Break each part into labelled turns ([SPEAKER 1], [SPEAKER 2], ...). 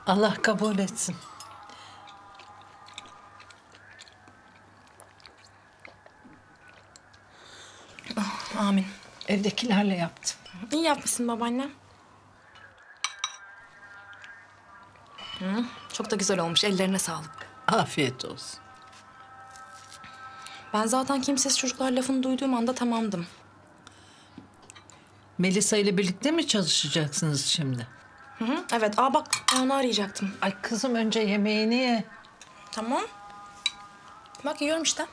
[SPEAKER 1] Allah kabul etsin.
[SPEAKER 2] Amin.
[SPEAKER 1] Evdekilerle yaptım.
[SPEAKER 2] İyi yapmışsın babaannem. Çok da güzel olmuş. Ellerine sağlık.
[SPEAKER 1] Afiyet olsun.
[SPEAKER 2] Ben zaten kimsesiz çocuklar lafını duyduğum anda tamamdım.
[SPEAKER 1] Melisa ile birlikte mi çalışacaksınız şimdi?
[SPEAKER 2] Evet. Bak ben onu arayacaktım.
[SPEAKER 1] Ay kızım önce yemeğini ye.
[SPEAKER 2] Tamam. Bak yiyorum işte.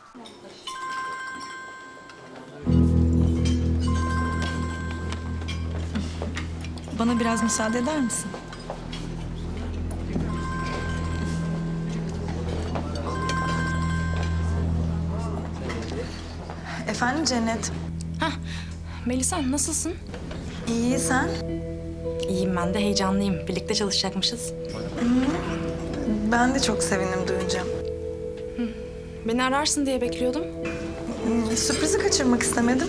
[SPEAKER 3] Bana biraz müsaade eder misin? Efendim Cennet.
[SPEAKER 2] Melisa nasılsın?
[SPEAKER 3] İyi sen?
[SPEAKER 2] İyiyim ben de heyecanlıyım. Birlikte çalışacakmışız.
[SPEAKER 3] Ben de çok sevindim duyunca.
[SPEAKER 2] Beni ararsın diye bekliyordum.
[SPEAKER 3] Sürprizi kaçırmak istemedim.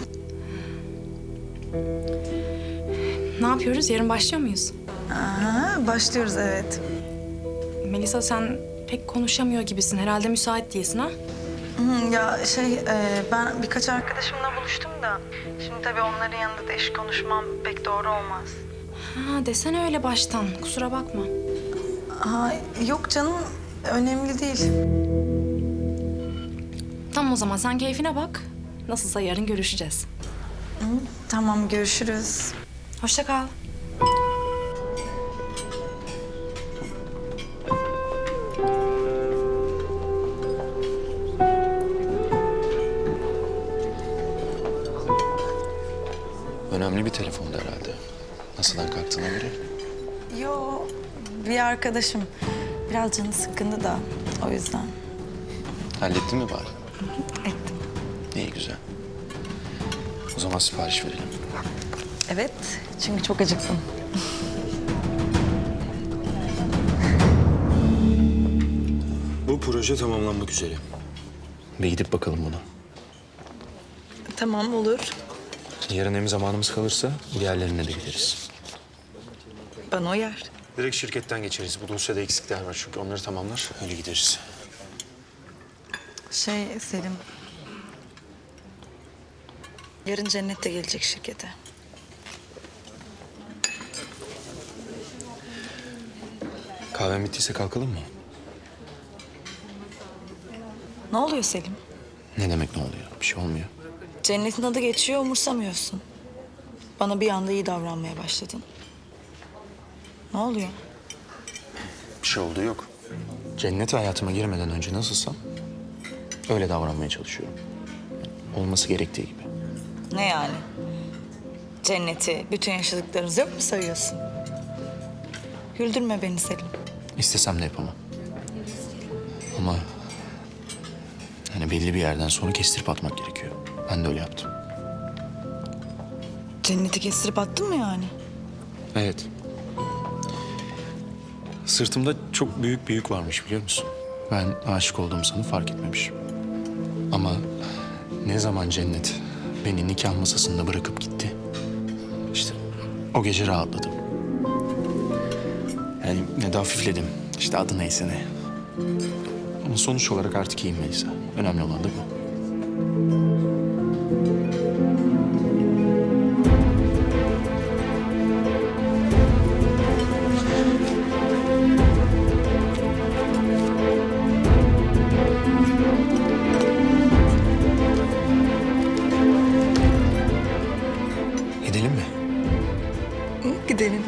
[SPEAKER 2] Ne yapıyoruz? Yarın başlıyor muyuz?
[SPEAKER 3] Aha, başlıyoruz evet.
[SPEAKER 2] Melisa sen pek konuşamıyor gibisin. Herhalde müsait değilsin ha?
[SPEAKER 3] Ya ben birkaç arkadaşımla buluştum da... Şimdi tabii onların yanında da iş konuşmam pek doğru olmaz.
[SPEAKER 2] Desene öyle baştan. Kusura bakma.
[SPEAKER 3] Yok canım, önemli değil.
[SPEAKER 2] Tamam o zaman sen keyfine bak. Nasılsa yarın görüşeceğiz.
[SPEAKER 3] Tamam, görüşürüz.
[SPEAKER 2] Hoşça kal.
[SPEAKER 4] Önemli bir telefondu herhalde. Nasıldan kalktığına göre.
[SPEAKER 3] Yo, bir arkadaşım. Biraz canı sıkkındı da o yüzden.
[SPEAKER 4] Hallettin mi bari?
[SPEAKER 3] Ettim.
[SPEAKER 4] İyi güzel. O zaman sipariş verelim.
[SPEAKER 3] Evet, çünkü çok acıktım.
[SPEAKER 4] Bu proje tamamlanmak üzere. Bir gidip bakalım buna.
[SPEAKER 3] Tamam, olur.
[SPEAKER 4] Yarın hem zamanımız kalırsa diğerlerine de gideriz.
[SPEAKER 3] Bana uyar.
[SPEAKER 4] Direkt şirketten geçeriz. Bu dosyada eksikler var çünkü onları tamamlar. Öyle gideriz.
[SPEAKER 3] Selim. Yarın Cennet de gelecek şirkete.
[SPEAKER 4] Kahven bittiyse kalkalım mı?
[SPEAKER 3] Ne oluyor Selim?
[SPEAKER 4] Ne demek ne oluyor? Bir şey olmuyor.
[SPEAKER 3] Cennet'in adı geçiyor, umursamıyorsun. Bana bir anda iyi davranmaya başladın. Ne oluyor?
[SPEAKER 4] Bir şey olduğu yok. Cennet hayatıma girmeden önce nasılsam öyle davranmaya çalışıyorum. Olması gerektiği gibi.
[SPEAKER 3] Ne yani? Cennet'i, bütün yaşadıklarınızı yok mu sayıyorsun? Güldürme beni Selim.
[SPEAKER 4] İstesem de yapamam. Ama hani belli bir yerden sonra kestirip atmak gerekiyor. Ben de öyle yaptım.
[SPEAKER 3] Cennet'i kestirip attın mı yani?
[SPEAKER 4] Evet. Sırtımda çok büyük bir yük varmış biliyor musun? Ben aşık olduğumu sanıp fark etmemişim. Ama ne zaman Cennet beni nikah masasında bırakıp gitti. İşte o gece rahatladım. Yani ne de hafifledim. İşte adı neyse ne. Ama sonuç olarak artık iyiyim Melisa. Önemli olan da bu. Gidelim mi?
[SPEAKER 3] Gidelim.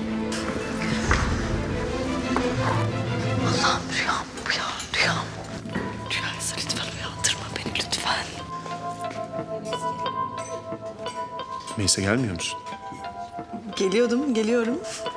[SPEAKER 3] Allah'ım rüyam bu ya, rüyam. Rüyaysa lütfen uyandırma beni lütfen.
[SPEAKER 4] Melisa gelmiyor musun?
[SPEAKER 3] Geliyorum.